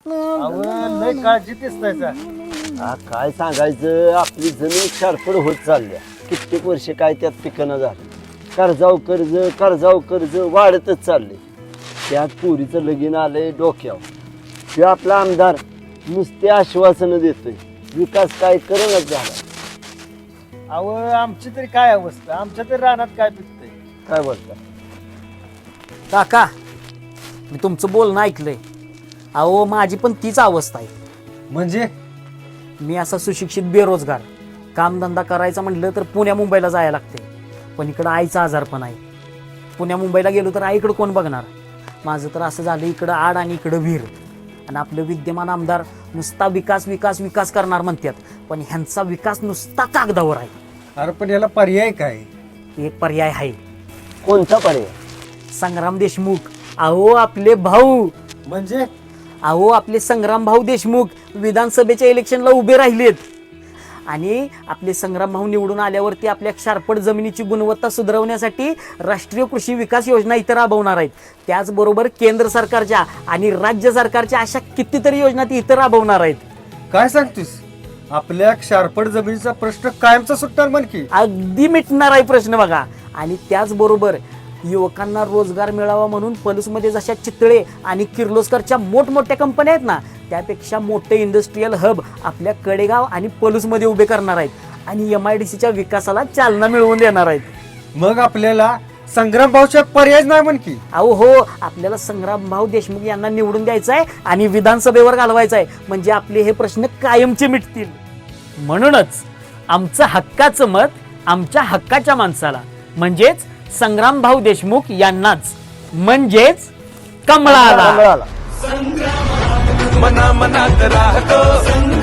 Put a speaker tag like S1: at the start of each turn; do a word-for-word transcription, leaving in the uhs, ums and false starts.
S1: लय काळजी दिसतायचा.
S2: हा काय सांगायचं, आपली जमीन शारपड होत चालल्या. कित्येक वर्ष काय त्यात पिकणं झालं. कर्जाव कर्ज कर्जाव कर्ज वाढतच चालले. त्यात पुरीचं लगीन आलंय डोक्यावर. ते आपला आमदार नुसते आश्वासनं देतोय, विकास काय करणच झाला.
S1: अहो आमची तरी काय अवस्था, आमच्या तरी रानात काय पिकतंय.
S2: काय बोलता
S3: काका, मी तुमचं बोलणं ऐकलंय. अहो माझी पण तीच अवस्था आहे.
S1: म्हणजे
S3: मी असा सुशिक्षित बेरोजगार, कामधंदा करायचा म्हटलं तर पुण्या मुंबईला जायला लागते. पण इकडं आईचा आजार पण आहे. पुण्या मुंबईला गेलो तर आईकडं कोण बघणार. माझं तर असं झालं, इकडं आड आणि इकडं विहीर. आणि आपलं विद्यमान आमदार नुसता विकास विकास विकास करणार म्हणतात, पण ह्यांचा विकास नुसता कागदावर आहे.
S1: अरे पण याला पर्याय काय?
S3: एक पर्याय आहे,
S2: कोणता पर्याय?
S3: संग्राम देशमुख. अहो आपले भाऊ,
S1: म्हणजे
S3: अहो आपले संग्राम भाऊ देशमुख विधानसभेच्या इलेक्शनला उभे राहिलेत. आणि आपले संग्राम भाऊ निवडून आल्यावरती आपल्या शारपड जमिनीची गुणवत्ता सुधारवण्यासाठी राष्ट्रीय कृषी विकास योजना इथं राबवणार आहेत. त्याचबरोबर केंद्र सरकारच्या आणि राज्य सरकारच्या अशा कितीतरी योजना ती इथं राबवणार आहेत.
S1: काय सांगतोस? आपल्या शारपड जमिनीचा प्रश्न कायमचा सुटणार म्हण की.
S3: अगदी मिटणार आहे प्रश्न बघा. आणि त्याचबरोबर युवकांना रोजगार मिळावा म्हणून पलूसमध्ये जशा चितळे आणि किर्लोस्करच्या मोठमोठ्या कंपन्या आहेत ना, त्यापेक्षा मोठे इंडस्ट्रीयल हब आपल्या कडेगाव आणि पलूसमध्ये उभे करणार आहेत. आणि एम आय डी सीच्या विकासाला चालना मिळवून देणार आहेत.
S1: मग आपल्याला संग्राम भाऊच्या पर्याय नाही म्हण की.
S3: अहो हो, आपल्याला संग्राम भाऊ देशमुख यांना निवडून द्यायचं आहे आणि विधानसभेवर घालवायचं आहे. म्हणजे आपले हे प्रश्न कायमचे मिटतील. म्हणूनच आमचं हक्काचं मत आमच्या हक्काच्या माणसाला, म्हणजेच संग्राम भाऊ देशमुख यांनाच, म्हणजेच कमळाला.
S2: कमळाला.
S4: मना मनात राहतो